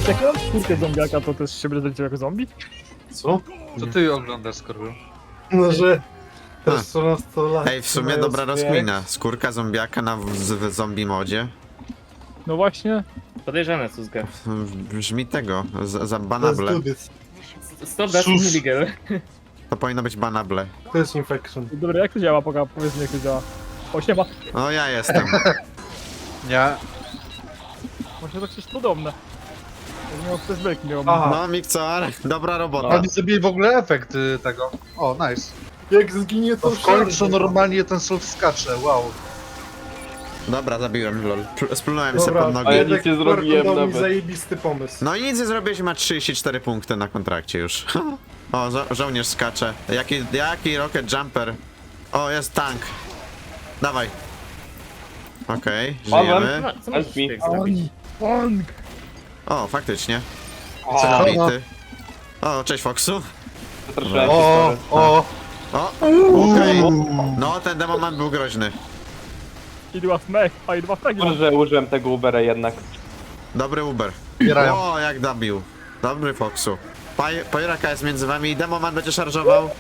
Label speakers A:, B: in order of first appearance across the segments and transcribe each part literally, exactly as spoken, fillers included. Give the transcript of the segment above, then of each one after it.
A: Jak ja mam skórkę zombiaka, to też się będę jako zombie?
B: Co?
C: Co ty oglądasz, Skorpion?
B: No, że... Też trzynaście lat.
D: Ej, w sumie dobra rozkmina. Skórka zombiaka na w, w zombie modzie.
A: No właśnie.
E: Podejrzane, Suzga.
D: Brzmi tego, za, za
B: To jest
D: banable.
B: dudyc.
E: Stop, that's
B: Sus.
E: illegal.
D: To powinno być banable.
B: To jest infection.
A: Dobra, jak to działa? Poka, powiedz mi jak to działa. O, siema.
D: O, ja jestem.
C: Nie.
A: Właśnie to coś podobne. Jak miał flashbacki miał.
B: Aha.
D: No, Mikcor, dobra robota.
C: Oni zrobili w ogóle efekt y, tego. O, nice.
B: Jak zginie to
C: To w końcu
B: wszędzie.
C: normalnie ten soul skacze, wow.
D: Dobra, zabiłem, lol. Pl- Splunąłem sobie
B: Dobra,
D: pod
B: a
D: nogi.
B: ja
F: nic nie zrobiłem
B: dał mi
F: nawet.
B: zajebisty pomysł.
D: No i nic nie zrobiłeś, ma trzydzieści cztery punkty na kontrakcie już. O, żo żołnierz skacze. Jaki, jaki rocket jumper. O, jest tank. Dawaj. Okej, okay, żyjemy.
E: No, co możesz
F: Help me.
E: tutaj zrobić?
A: Pong!
D: O, faktycznie.
F: O,
D: Celowity. O, cześć Foxu.
F: zastraszyłem
C: O,
F: się,
C: o,
D: O, okej. No, ten demoman był groźny.
A: I dwa smech, a i dwa fragi.
F: sorry. Może użyłem tego Ubera jednak.
D: Dobry Uber.
C: zbierają.
D: O, jak dobił. Dobry Foxu. Paj Pajraka jest między wami i demoman będzie szarżował.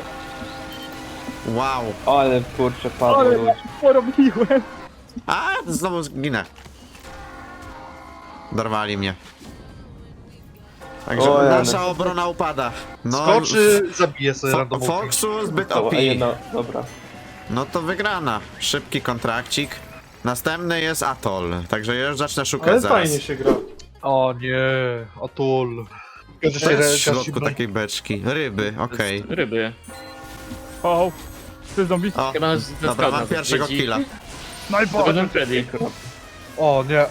D: Wow.
F: O, ale kurczę, padło.
A: Ale
F: ludzie.
A: porobiłem.
D: A, znowu zginę. Dorwali mnie. Także
F: O, ja
D: nasza
F: no.
D: obrona upada. No,
C: Skoczy, zabije sobie
D: Fo
C: randomowo.
D: Foxu zbyt
F: O,
D: O P.
F: ej, no, dobra.
D: No to wygrana. Szybki kontrakcik. Następny jest Atoll. Także już zacznę szukać
B: Ale
D: zaraz.
B: fajnie się gra.
C: O nie, otul. Każdy
D: To
C: się
D: jest w
C: re-
D: środku
C: każdy-
D: takiej beczki. Ryby, okej.
E: Ryby.
A: O, ty zombie.
D: O,
E: Chyba nas
D: dobra,
E: zaskał
D: mam
E: nas
D: pierwszego
E: odwiedzi.
D: killa.
A: Snajper!
E: Golden Freddy.
C: O nie.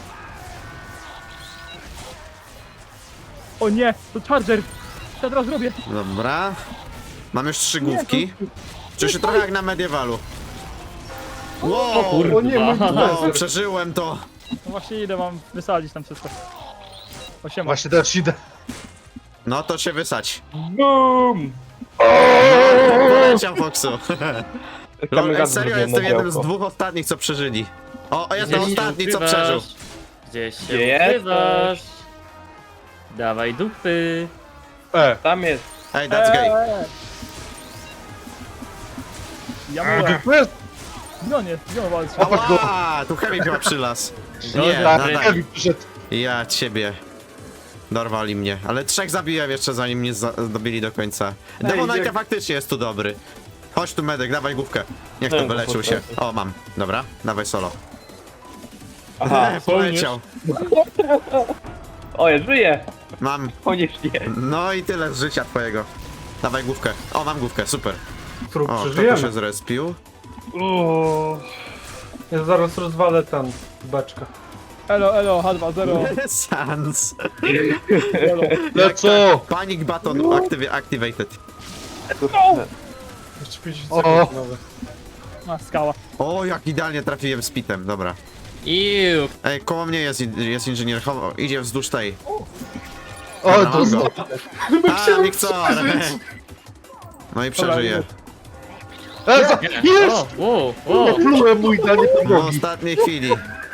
A: O nie, to Charger! Co ja teraz robię?
D: Dobra. Mam już trzy główki. Czuję się trochę jak na mediewalu. Wow!
E: kurwa.
B: O nie, mój
D: Wow,
B: profesor.
D: przeżyłem to.
A: No właśnie idę wam wysadzić tam wszystko. O, siema.
C: Właśnie też idę.
D: No to się wysać.
F: BOOM!
D: Poleciał Foxu. Lol, ej, serio, jestem jednym z
F: dwóch.
D: dwóch ostatnich, co przeżyli. O, jest
E: Gdzie
D: to
E: się
D: ostatni, co
E: ukrywasz?
D: przeżył.
E: Gdzieś się
F: Gdzie jesteś?
E: ukrywasz? Dawaj dupy.
C: E,
F: Tam jest.
D: Ej, that's gay.
A: Eee. Ja
C: a,
A: mówię,
C: tu jest.
A: no nie, gdzie on walczy?
D: Ała, tu chemik chyba przylas. Nie,
E: Golden
D: na,
E: Freddy.
D: na,
C: Kevin przyszedł.
D: ja ciebie. Dorwali mnie, ale trzech zabiłem jeszcze zanim mnie za- dobili do końca. Demonajka
B: jak-
D: faktycznie jest tu dobry. Chodź tu medyk, dawaj główkę. Niech to
F: Nie,
D: wyleczył
F: to
D: się.
F: potrafi.
D: O, mam. Dobra, dawaj solo.
F: Aha.
D: E, poleciał.
F: O, ja żyję.
D: Mam.
F: Koniecznie.
D: No i tyle z życia twojego. Dawaj główkę. O, mam główkę, super.
B: Trup
D: O, kto tu się
B: przeżyjemy.
D: zrespił?
B: O, ja zaraz rozwalę ten beczkę.
A: Elo, elo, H dwa zero.
D: Sans.
A: Elo.
C: No co?
D: Panic button active activated.
B: Jeszcze pięćdziesiąt
C: O.
B: sekund nowe.
A: A, skała.
D: O, jak idealnie trafiłem z pitem, dobra.
E: Iu.
D: Ej, koło mnie jest, in- jest inżynier, chowa, idzie wzdłuż tej.
C: O,
D: No,
C: to
D: go.
C: znowu.
D: A, Mikcor! No i przeżyje.
C: E, za-
E: Nie.
C: Jest!
E: O, wow, wow.
C: Plułem mój danie
D: W
C: podłogi.
D: ostatniej chwili.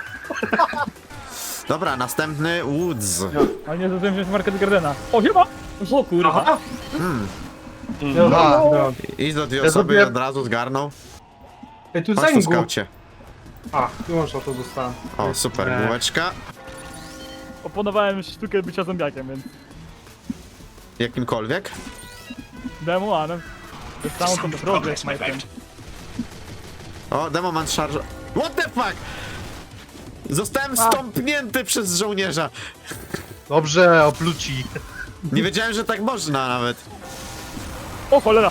D: Dobra, następny Woods.
A: Ale nie zdążyłem wziąć market Gardena. O, siema!
E: O kurwa.
D: Hmm.
B: Ja
C: Aha.
B: no.
D: Idź do dwie
C: Ja
D: osoby i
C: zrobiłem-
D: od razu zgarnął.
B: Ej, tu
D: Chodź tu
B: zęgu.
D: skaucie.
B: A, wyłącz to dostałem.
D: O, super,
B: Nie.
D: bułeczka.
A: Oponowałem sztukę bycia zombiakiem, więc
D: Jakimkolwiek.
A: demoanem. To jest samą tą drogę snajpem.
D: O, demoman charge. What the fuck? Zostałem stąpnięty przez żołnierza.
C: Dobrze, opluci.
D: Nie wiedziałem, że tak można nawet.
A: O, cholera!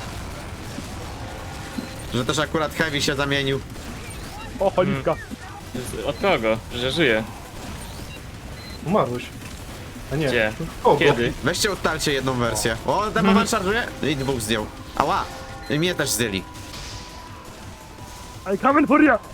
D: Że też akurat Heavy się zamienił.
A: O, cholipka.
E: Od kogo? Że żyje.
B: Umarłeś. A nie.
E: Gdzie?
B: Kogo?
E: Kiedy?
D: Weźcie ustalcie jedną wersję. O, demoman charge'uje? I dwóch zdjął. Ała! I mnie też zdjęli.
A: I coming for you!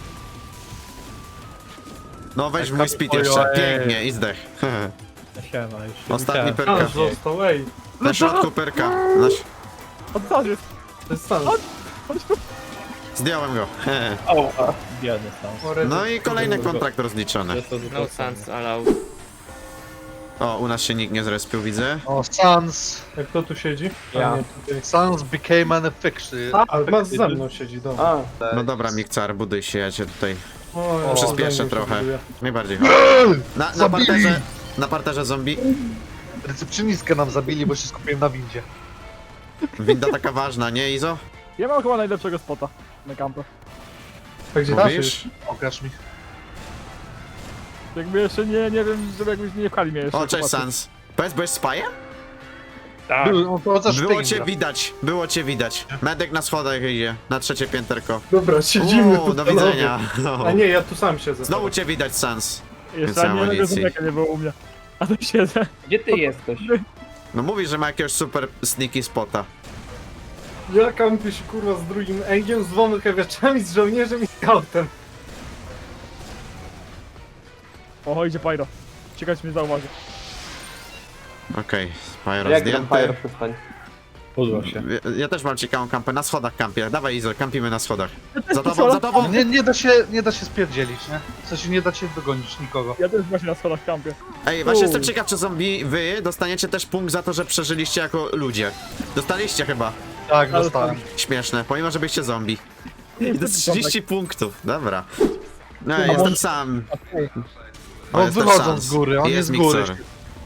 D: No weź
C: Tak,
D: mój speed jeszcze.
C: ojej.
D: Pięknie i zdech.
C: Siema, już
D: Ostatni
B: A,
D: perka.
B: został, ej.
D: Na środku perka. Na... ś-
A: Odsad jest!
B: To jest stan.
D: Zdjąłem go.
F: O, a.
B: O, rety.
D: No i kolejny kontrakt rozliczony.
E: No sans allow.
D: O, u nas się nikt nie zrespił, widzę.
C: O, Sans.
B: Jak kto tu siedzi?
F: Ja.
B: A, nie, tutaj.
C: Sans became an affliction.
B: Ale mas ze mną siedzi, dobra.
F: A,
D: No dobra, Mikcar, buduj się, ja cię tutaj
B: O, ja
D: przyspieszę
B: zęby się
D: trochę.
B: buduję.
D: Najbardziej. Na, na
C: Zabili!
D: parterze, na parterze zombie.
C: Recepcjonistkę nam zabili, bo się skupiłem na windzie.
D: Winda taka ważna, nie Izo?
A: Ja mam chyba najlepszego spota na kampę.
B: A gdzie ty
D: Mówisz?
C: Pokaż mi.
A: Jakby jeszcze nie, nie wiem, żeby jakbyś nie pchali mnie jeszcze.
D: O, cześć
A: chłopacy.
D: Sans. Powiedz, byłeś spajem?
F: tak.
C: Był, on to za
D: Było
C: szpyk
D: cię
C: gra.
D: widać, było cię widać. Medek na schodach idzie, na trzecie pięterko.
B: Dobra, siedzimy
D: Uuu,
B: tu.
D: do
B: panowie.
D: widzenia.
B: A nie, ja tu sam siedzę.
D: Znowu cię widać, Sans.
A: Jeszcze
D: Więcej
A: ani jednego
D: amunicji.
A: zombiaka nie było u mnie. A to siedzę.
F: Gdzie ty jesteś?
D: No mówi, że ma jakiegoś super sneaky spota.
B: Ja kampię się kurwa z drugim Engiem, z dwoma heaviaczami, z żołnierzem i scoutem.
A: O, idzie Pyro. Ciekawe, czy mnie zauważy.
D: Okej, Spyro
F: Jak tam Fire
D: zdjęty.
F: przestań?
C: Podło się.
D: Ja, ja też mam ciekawą kampę, na schodach kampię. Dawaj Izo, kampimy na schodach. Za tobą, za tobą!
C: Nie, nie da się, nie da się spierdzielić, nie? W sensie nie da się dogonić nikogo.
A: Ja też właśnie na schodach kampię.
D: Ej, właśnie jestem ciekaw, czy zombie wy dostaniecie też punkt za to, że przeżyliście jako ludzie. Dostaliście chyba.
C: Tak,
A: Ale
C: dostałem.
D: Śmieszne, pomimo, że byście zombie. I to jest trzydzieści punktów, dobra. No,
A: A
D: jestem
A: może-
D: sam.
C: No
D: jest też
C: wychodzą
D: Sans.
C: z góry, on
D: I
C: jest z góry.
D: Mixer.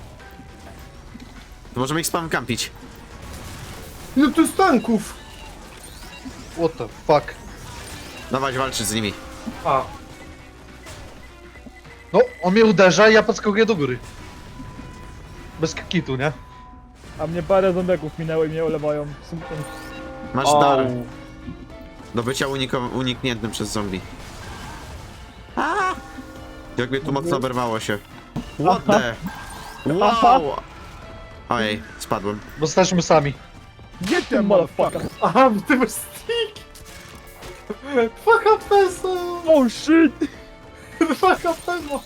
D: Możemy ich spam kampić.
B: No tu z tanków!
C: What the fuck?
D: Dawać walczyć z nimi.
B: A,
C: No, on mnie uderza i ja podskakuję do góry. Bez kitu, nie?
A: A mnie parę zombiaków minęło i mnie olewają. Smutno.
D: Masz
F: O,
D: dar do bycia uniko- unikniętym przez zombie. A! Jak mnie tu mocno oberwało się. What the? Wow! Ojej, spadłem.
C: Bo jesteśmy sami.
A: Gdzie ty, motherfucker?
B: aha, bo ty masz stick! Dwa H P są!
A: Oh shit!
B: Dwa H P ma!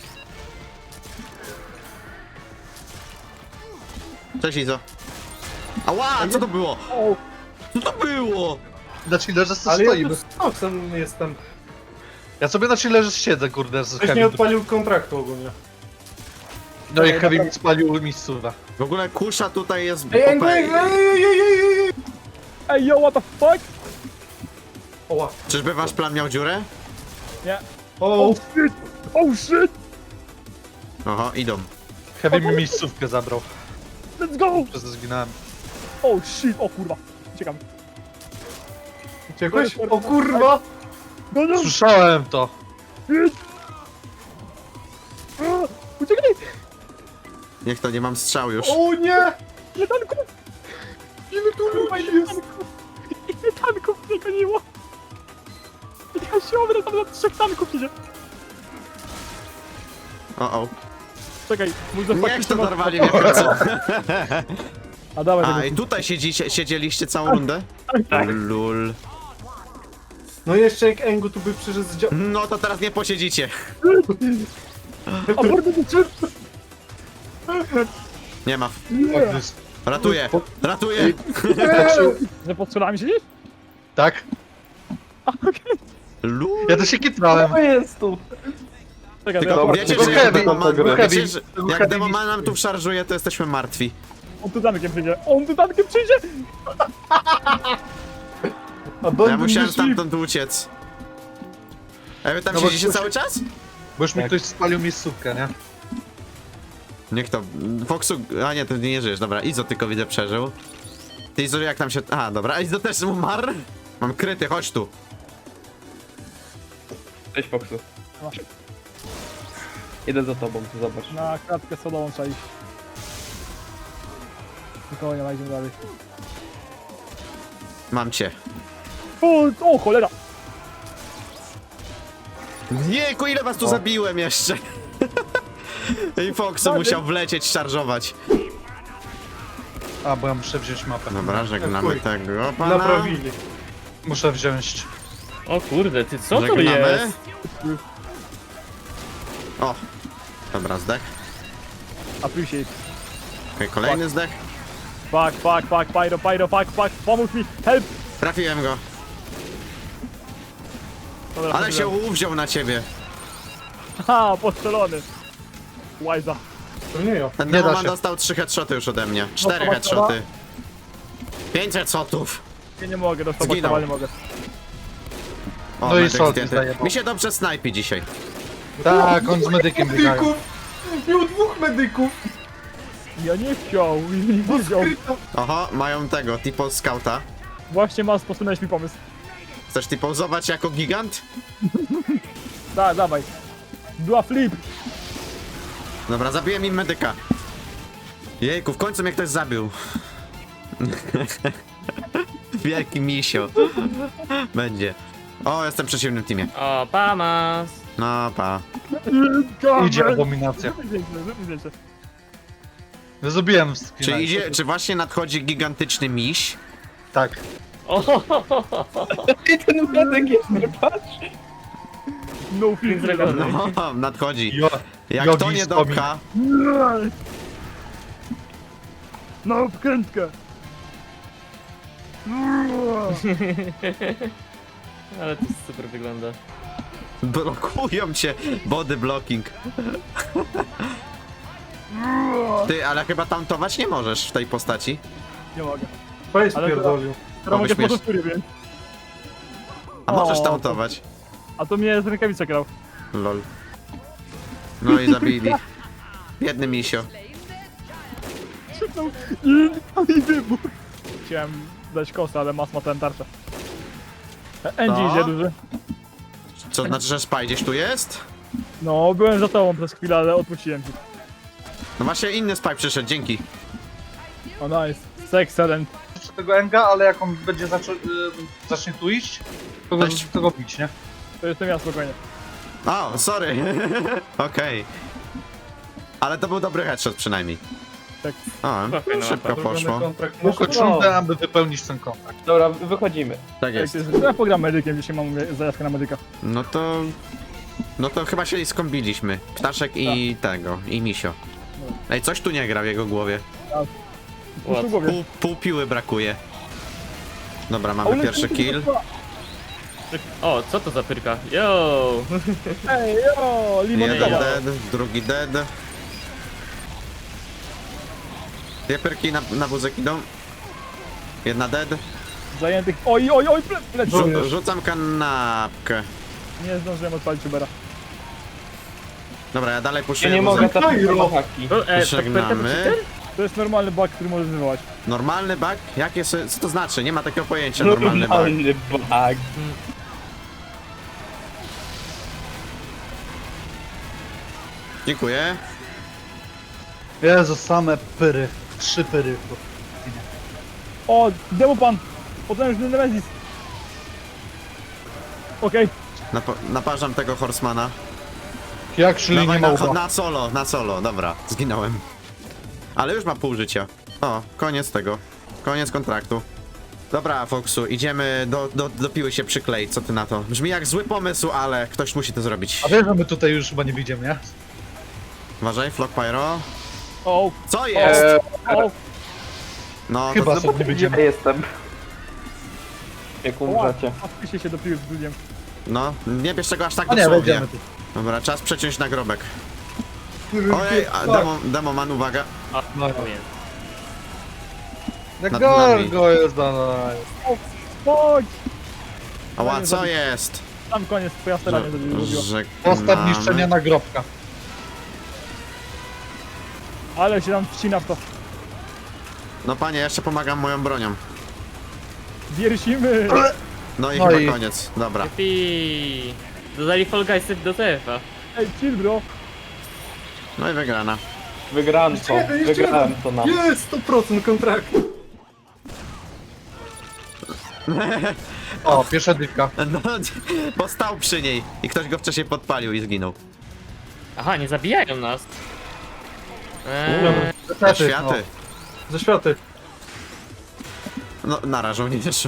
D: Cześć Izo. Ała, co to było?
A: O,
D: Co to było?
C: Na chillerze sobie
B: Ale ja tu
C: stoimy.
B: z Foxem jestem.
C: Ja sobie na chillerze siedzę, kurde, z
B: Ktoś nie
C: Heavy.
B: odpalił kontraktu ogólnie.
C: No i Heavy mi spalił miejscówę.
D: W ogóle kusza tutaj jest
B: Ej, ej,
D: O P.
B: ej, ej, ej, ej, ej!
A: ej, yo, what the fuck?
B: Oła.
D: Czyżby wasz plan miał dziurę?
A: Nie.
B: O,
A: Oh shit! Oh shit!
D: Oho, idą.
C: Heavy mi miejscówkę zabrał.
A: Let's go!
C: Przez to zginąłem.
A: Oh shit! O kurwa. Uciekam.
B: uciekłeś? O kurwa!
A: No, no,
C: Słyszałem to.
A: shit! A, uciekaj!
D: Niech to nie mam strzał już.
B: O nie!
A: Ile tanków!
B: Ile tu
A: Kurwa,
B: ludzi
A: ile
B: jest?
A: tanków! Ile tanków mnie goniło! Ja się obrę, tam na trzech tanków idzie!
D: O, o.
A: Czekaj, mój
D: Niech
A: zafakt
D: to dorwali mnie w końcu.
A: A dawaj,
D: A,
A: tego
D: i tutaj siedzicie, siedzieliście całą rundę?
F: tak.
D: Lul.
B: No jeszcze jak Engu tu by przyszedł z dzia...
D: No to teraz nie posiedzicie.
A: A mordy to czym?
D: Nie ma.
A: Nie!
D: Ratuję, ratuję.
A: Że pod schodami siedzisz?
C: Tak?
D: Lul.
C: Ja też się kitrałem.
F: Co jest tu?
A: Czekaj,
D: Tylko
A: to ja
D: wiecie,
C: Tylko
D: że jak
C: heavy,
D: Demoman,
C: tylko
D: wiecie,
C: heavy,
D: że
C: tylko
D: jak
C: heavy
D: Demoman nam tu szarżuje, to jesteśmy martwi.
A: On tu tankiem przyjdzie! On tu tankiem przyjdzie!
B: A Don
D: Ja musiałem
B: myśli-
D: stamtąd uciec. A wy tam
C: No bo
D: siedzicie
C: ktoś-
D: cały czas?
C: Bo już mi ktoś spalił miejscówkę, nie?
D: Niech to. Foxu. A nie, ty nie żyjesz, dobra. Izo tylko widzę przeżył. Ty Izo jak tam się. A, dobra, Izo też umarł? Mam kryty, chodź tu.
F: Cześć Foxu.
A: Masz.
F: Idę za tobą, tu zobacz.
A: Na klatkę sodową trzeba iść. Nikogo nie ma, idziemy dalej.
D: Mam cię.
A: O, o cholera!
D: Jejku, ile was tu zabiłem jeszcze? I Foxu musiał wlecieć, szarżować.
C: A, bo ja muszę wziąć mapę.
D: Dobra, żegnamy
B: Chuj.
D: tego pana.
B: Naprawili.
C: Muszę wziąć.
E: O kurde, ty co to
D: Żegnamy.
E: jest?
D: O, dobra, zdech.
A: Appreciate.
D: Okej, kolejny zdech.
A: Fuck, fuck, fuck, pyro, pyro, fuck, fuck, pomóż mi, help!
D: Trafiłem go.
A: Dobra,
D: Ale się
A: poszedłem.
D: uwziął na ciebie.
A: Ha, postrzelony. Łajza.
B: To nie ja.
C: Nie da
D: Demoman
C: się.
D: dostał trzy headshoty już ode mnie. cztery
A: Dobra,
D: headshoty. pięć headshotów.
A: Ja nie mogę, dostać,
D: Zginął.
A: nie mogę.
D: O,
C: No i
D: medyk
C: solki
D: zdjęty.
C: zajebał.
D: Mi się dobrze snajpi dzisiaj.
C: Tak, on z medykiem biegają.
B: Medyków! Miał dwóch medyków!
A: Ja nie chciał, nie wiedział.
B: Skryto.
D: Oho, mają tego, tipo scouta.
A: Właśnie masz, posunąłeś mi pomysł.
D: Chcesz typozować jako gigant?
A: Da, dawaj. Była flip.
D: Dobra, zabiłem im medyka. Jejku, w końcu mnie ktoś zabił. Wielki misio. Będzie. O, jestem w przeciwnym teamie.
E: O, pamas.
D: No, pa.
C: Idzie abominacja.
A: Wiecie.
C: Zrobiłem
D: Czy
C: screena.
D: idzie, czy właśnie nadchodzi gigantyczny miś?
C: Tak.
E: O,
F: I ten medyk jest, patrz.
A: No flip.
E: zrobiony.
D: No, nadchodzi.
C: Jo,
D: Jak
C: jogi
D: to nie
C: z Tomi.
D: dopcha,
A: No wkrętkę.
E: Ale to super wygląda.
D: blokują cię. Body blocking. Ty, ale chyba tauntować nie możesz w tej postaci.
A: Nie mogę.
B: Face
A: Ale to-
B: pierdolił.
A: Teraz mogę
D: śmiesz-
A: po prostu więc.
D: A możesz
A: O,
D: tauntować.
A: A to mnie z rękawicy grał.
D: Lol. No i zabili. Biedny misio.
A: Krzyknął i, i wybuch. Chciałem dać kosę, ale mas ma ten tarczę. Angie
D: No.
A: idzie duży.
D: Co znaczy, że spy gdzieś tu jest?
A: No, byłem za tobą przez chwilę, ale odpuściłem ci.
D: No właśnie inny spy przyszedł, dzięki.
A: O nice. Excellent.
C: Jeszcze tego Enga, ale jak on będzie zaczą, y, zacznie tu iść, to go,
D: Cześć.
C: to go bić, nie?
A: To jestem ja spokojnie.
D: O, sorry. Okej. Ale to był dobry headshot przynajmniej.
A: Tak.
D: O,
E: Spokojno,
D: szybko
E: łapa.
D: poszło.
B: Zrobiony kontrakt.
C: Tylko
B: Muszę-
C: czundę, aby wypełnić ten kontakt.
F: Dobra, wychodzimy.
D: Tak
A: Tak
D: jest.
A: jest. Ja pogram medykiem, dzisiaj mam zajawkę na medyka.
D: No to... No to chyba się skombiliśmy. Ptaszek i tego, i misio. Ej, coś tu nie gra w jego głowie.
A: Puszcz w głowie.
D: Pół, pół piły brakuje. Dobra,
A: A
D: mamy
A: uleci
D: pierwszy
A: mi
D: kill.
A: to-
E: O, co to za pyrka? Yo!
A: Ej, jo,
D: Jeden
A: limonada.
D: dead, drugi dead. Dwie pyrki na, na wózek idą. Jedna dead.
A: Zajętych. Oj, oj, oj, ple, pleci.
D: Rzu rzucam kanapkę.
A: Nie zdążyłem odpalić Ubera.
D: Dobra, ja dalej
F: Ja
D: puszuję
F: nie
D: wózek.
F: mogę takiej
B: Kajro.
F: haki.
E: O, e, tak pyrka to
D: Żegnamy.
E: cheater?
A: To jest normalny bug, który możesz wywołać.
D: Normalny bug? Jakie, se- co to znaczy? Nie ma takiego pojęcia normalny bug.
F: Normalny bug.
D: Dziękuję.
C: Jezu, same pyry. Trzy pyry.
A: O, Demopan! Potężny Nemesis! Okej,
D: Nap naparzam tego Horsemana.
C: Jak szli nie
D: Dawaj
C: ma
D: na,
C: ucha.
D: na solo, na solo, dobra, zginąłem. Ale już ma pół życia. O, koniec tego. Koniec kontraktu. Dobra, Foxu, idziemy do, do, do piły się przykleić, co ty na to? Brzmi jak zły pomysł, ale ktoś musi to zrobić.
C: A wiesz, że my tutaj już chyba nie wyjdziemy, nie?
D: Uważaj, Flock Pyro.
A: o,
D: Co jest?
F: Eee,
A: o,
D: No,
C: Chyba
D: to,
C: sobie nie
F: ja
C: wyjdziemy.
F: jestem. Jak umrzecie.
A: a wpisie się do piły z drugiem.
D: no, nie bierz tego aż tak
C: A nie,
D: dosłownie.
C: wejdziemy tu.
D: Dobra, czas przeciąć nagrobek.
B: Który
D: Ojej, a
B: tak.
D: demo, demo man, uwaga.
E: O,
C: No.
E: tu jest.
C: Jak
D: Nad nami.
C: gorgo jest, no, no.
A: Chodź!
D: Ała, co jest?
A: Tam koniec, twoja staranie to zrobiła.
C: Postaw
D: Żegnamy.
C: niszczenia nagrobka.
A: Ale się tam wcina w to.
D: No panie, jeszcze pomagam moją bronią.
A: Wiersimy!
D: No i
C: No
D: chyba
C: i-
D: koniec, dobra.
E: Jupi! Dodali Fall Guysy do T F-a.
A: Ej, chill bro!
D: No i wygrana.
F: Wygrałem
B: Jeszcze
F: to.
B: jeden, jeszcze
F: Wygrałem
B: jeden.
F: to na.
B: Jest sto procent kontraktu.
C: O, pierwsza dywka.
D: No, bo stał przy niej i ktoś go wcześniej podpalił i zginął.
E: Aha, nie zabijają nas. Eee,
D: Na
C: Niestety,
D: światy.
B: Ze światy.
D: No, narażą nie też.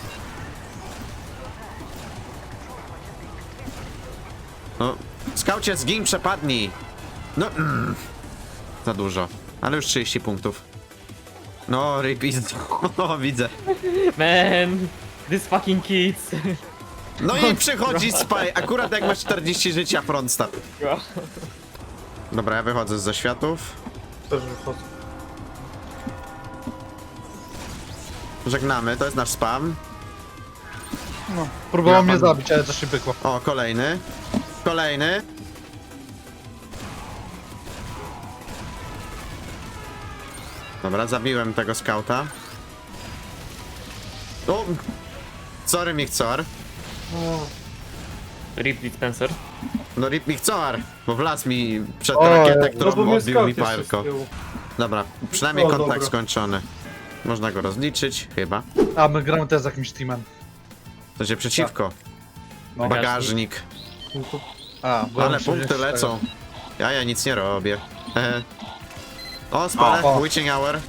D: No, skaucie, zgin, przepadnij. No, mm, za dużo. Ale już trzydzieści punktów. No, repeat. O, widzę.
E: man! This fucking kids!
D: No i przychodzi spy, akurat jak masz czterdzieści życia, front stab. Dobra, ja wychodzę z zaświatów.
B: Też wychodzę.
D: Żegnamy, to jest nasz spam.
C: No, próbował
D: Ja
C: mnie
D: pan-
C: zabić, ale coś się pykło.
D: O, kolejny. Kolejny. Dobra, zabiłem tego skauta. O! Sorry, Michcor.
E: Rip Spencer.
D: No rip Michcor, bo wlazł mi przed
C: O,
D: rakietę,
C: no
B: No
D: którą
B: bo mnie
D: odbił mi
B: scout jeszcze
D: palko.
B: z tyłu.
D: Dobra, przynajmniej
B: O,
D: kontakt
B: dobra.
D: skończony. Można go rozliczyć, chyba.
C: A my gramy też z jakimś teamem.
D: To się przeciwko.
C: No.
D: Bagażnik.
B: No to
C: A, bo
D: Ale
C: muszę
D: punkty
C: wziąć
D: lecą. Ja, ja nic nie robię. Hehe. O, spalę.
C: O, o.
D: Witching hour.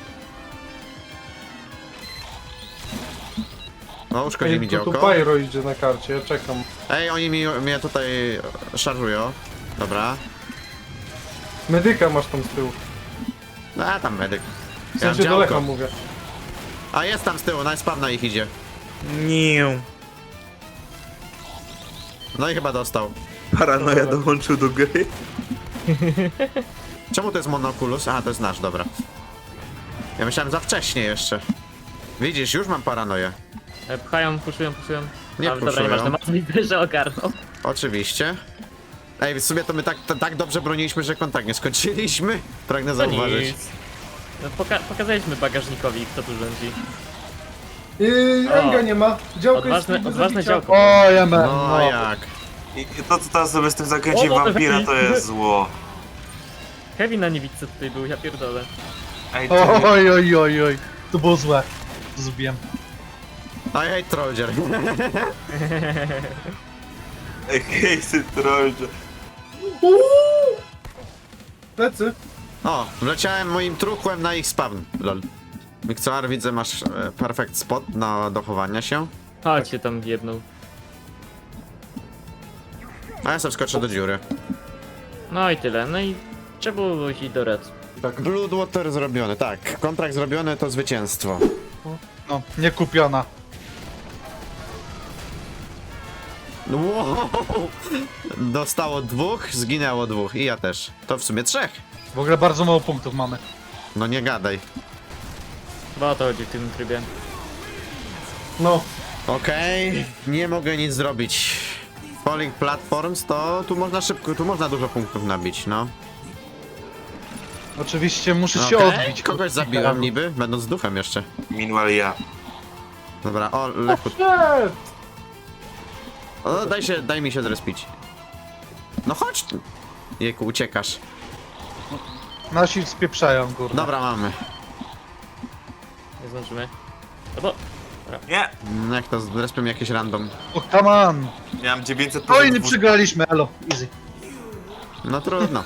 D: O, uszkodzi mi
B: Ej, to tu
D: działko.
B: Pyro idzie na karcie, ja czekam.
D: Ej, oni mi, mnie tutaj szarżują. Dobra.
B: Medyka masz tam z tyłu.
D: A, tam medyk.
B: W
D: Ja mam
B: sensie do Lecha
D: działko.
B: mówię.
D: A, jest tam z tyłu, najspam na ich idzie.
F: Nie.
D: No i chyba dostał.
F: Paranoja dołączył do gry.
D: Czemu to jest monokulus? A, to jest nasz, dobra. Ja myślałem za wcześnie jeszcze. Widzisz, już mam paranoję.
E: E, Pchają, puszują, puszują.
D: Nie
E: Ale dobra,
D: puszują.
E: nieważne, Mac widzę, że ogarnął.
D: Oczywiście. Ej, w sumie to my tak, t- tak dobrze broniliśmy, że kontakt nie skończyliśmy. Pragnę
E: To
D: zauważyć.
E: nic. No, poka pokazaliśmy bagażnikowi, kto tu rządzi.
B: Yy,
E: O.
B: Enga nie ma. Działko jest
E: Odważne,
B: do
E: odważne
B: zabicia.
E: działko.
C: O, ja mam,
D: No,
C: no.
D: jak?
F: I to, co teraz sobie z tym zakręciem
E: O, no,
F: wampira, to
E: lepiej.
F: jest zło.
E: Kevin na niewidce tutaj był, ja pierdolę.
F: Ej, ty...
C: Oj, oj, oj, oj. To było złe. To zrobiłem.
D: I hate Trollger.
F: Ej, hejsy trollże.
B: Plecy.
D: O, wleciałem moim truchłem na ich spawn. Lol. Mikcoar, widzę, masz e, perfect spot na dochowania się.
E: Chodź się tam wjebnął.
D: A ja sobie skoczę do dziury.
E: No i tyle, no i trzeba było iść do red.
D: Bloodwater zrobiony, tak. Kontrakt zrobiony to zwycięstwo.
C: No, nie kupiona.
D: Wow. Dostało dwóch, zginęło dwóch i ja też. To w sumie trzech.
C: W ogóle bardzo mało punktów mamy.
D: No nie gadaj.
E: Chyba o to chodzi w tym trybie.
B: No.
D: Okej, nie mogę nic zrobić. Falling Platforms to tu można szybko, tu można dużo punktów nabić, no.
C: Oczywiście muszę się
D: Okej,
C: odbić.
D: kogoś zabiłem niby, będąc duchem jeszcze.
F: Meanwhile ja.
D: Dobra, o, Lechu.
B: Shit!
D: O, daj się, daj mi się zrespić. No chodź tu. Jejku, uciekasz.
C: Nasi spieprzają, kurde.
D: Dobra, mamy.
E: Nie zdążymy. No bo...
F: Nie!
D: Mm, Jak to, zrespią jakieś random.
C: O, come on.
F: Miałem dziewięćset
C: Oj, nie
F: procent
C: przegraliśmy, elo. Easy.
D: No trudno.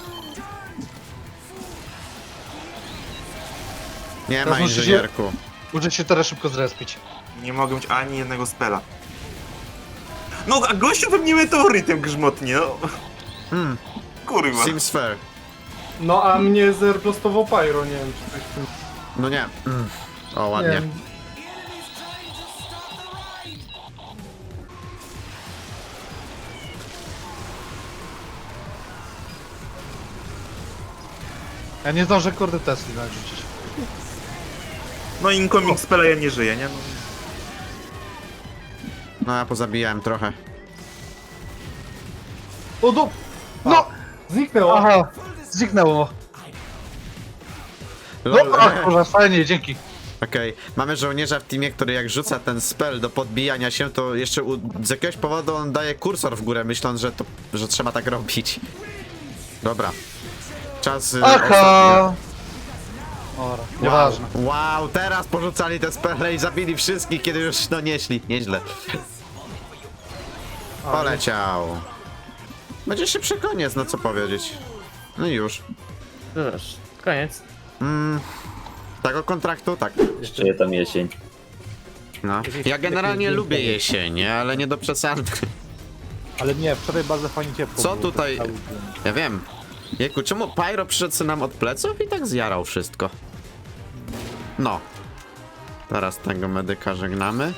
D: Nie
C: Teraz
D: ma
C: musicie-
D: inżynierku.
C: Muszę się teraz szybko zrespić.
F: Nie mogę mieć ani jednego spela. No, a gościu we mnie meteorytem grzmotnie, no.
D: Hmm,
F: Kurwa.
D: seems fair.
B: No a mnie zerplostował Pyro, nie wiem czy coś w tym...
D: No nie. Mm. O,
B: Nie
D: ładnie.
B: wiem.
C: Ja nie zdążę, kurde, Tesli narzucić.
F: No, incoming spela ja nie żyję, nie? No.
D: No ja pozabijałem trochę.
B: O do... No! Zniknęło.
C: Aha, zniknęło.
D: Lol.
C: Dobra, kurwa, fajnie, dzięki.
D: Okej, mamy żołnierza w teamie, który jak rzuca ten spell do podbijania się, to jeszcze u, z jakiegoś powodu on daje kursor w górę, myśląc, że to, że trzeba tak robić. Dobra. Czas y, ostatni.
C: Aha. Ora, nieważne.
D: Wow. wow, teraz porzucali te spele i zabili wszystkich, kiedy już no nieśli. Nieźle. Poleciał. Będzie szybszy koniec, no co powiedzieć. No i już.
E: Zobacz, koniec.
D: Mm, tego kontraktu, tak.
G: Jeszcze je tam jesień.
D: No. Ja generalnie lubię jesień, ale nie do przesady.
A: Ale nie, wczoraj bardzo fajnie ciepło
D: Co
A: było,
D: tutaj?
A: cały dzień.
D: Ja wiem. Jejku, czemu Pyro przyszedł sobie nam od pleców i tak zjarał wszystko? No. Teraz tego medyka żegnamy.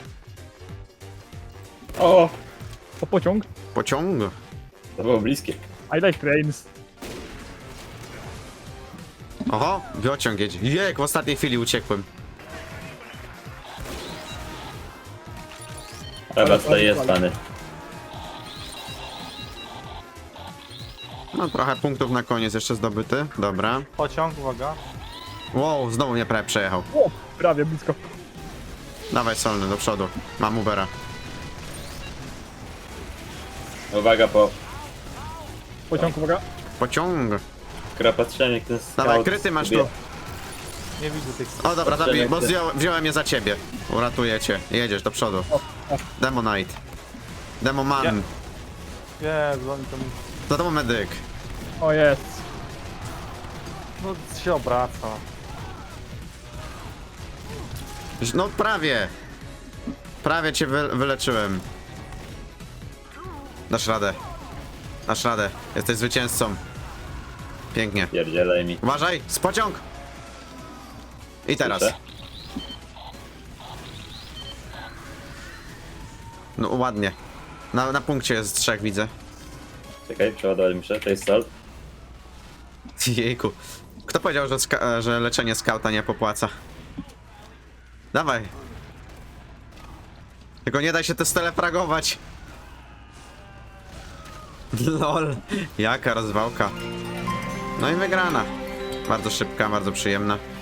A: O! O pociąg.
D: Pociąg.
G: To było bliskie.
A: I like trains.
D: Oho, biociąg jedzie. Jek, w ostatniej chwili uciekłem.
G: Dobra, tutaj jest pany.
D: No trochę punktów na koniec jeszcze zdobyty. Dobra.
B: Pociąg, uwaga.
D: Wow, znowu mnie prawie przejechał.
A: O, prawie blisko.
D: Dawaj Solny, do przodu. Mam Ubera.
G: Uwaga, po
A: Pociąg, uwaga.
D: Pociąg.
G: gra patrzyłem jak ten scout
D: Dawaj, kryty masz tu.
G: sobie-
B: Nie widzę tych...
D: O dobra,
G: Patrzymy,
D: zabij, bo
G: jak ty-
D: wziąłem, wziąłem je za ciebie. Uratuję cię. Jedziesz do przodu. Demo Knight. Demo Man.
B: Jezu, oni tam...
D: To to medyk.
A: O, jest.
B: No się obraca.
D: No prawie. Prawie cię wy, wyleczyłem. Dasz radę. Dasz radę. Jesteś zwycięzcą. Pięknie.
G: Pierdzielaj mi.
D: Uważaj, z pociąg! I teraz.
G: Słyszę.
D: No ładnie. Na, na punkcie jest trzech, widzę.
G: Czekaj, przeładować muszę, to jest salt.
D: Jejku. Kto powiedział, że, ska- że leczenie skauta nie popłaca? Dawaj. Tylko nie daj się te stele fragować. Lol. Jaka rozwałka. No i wygrana. Bardzo szybka, bardzo przyjemna.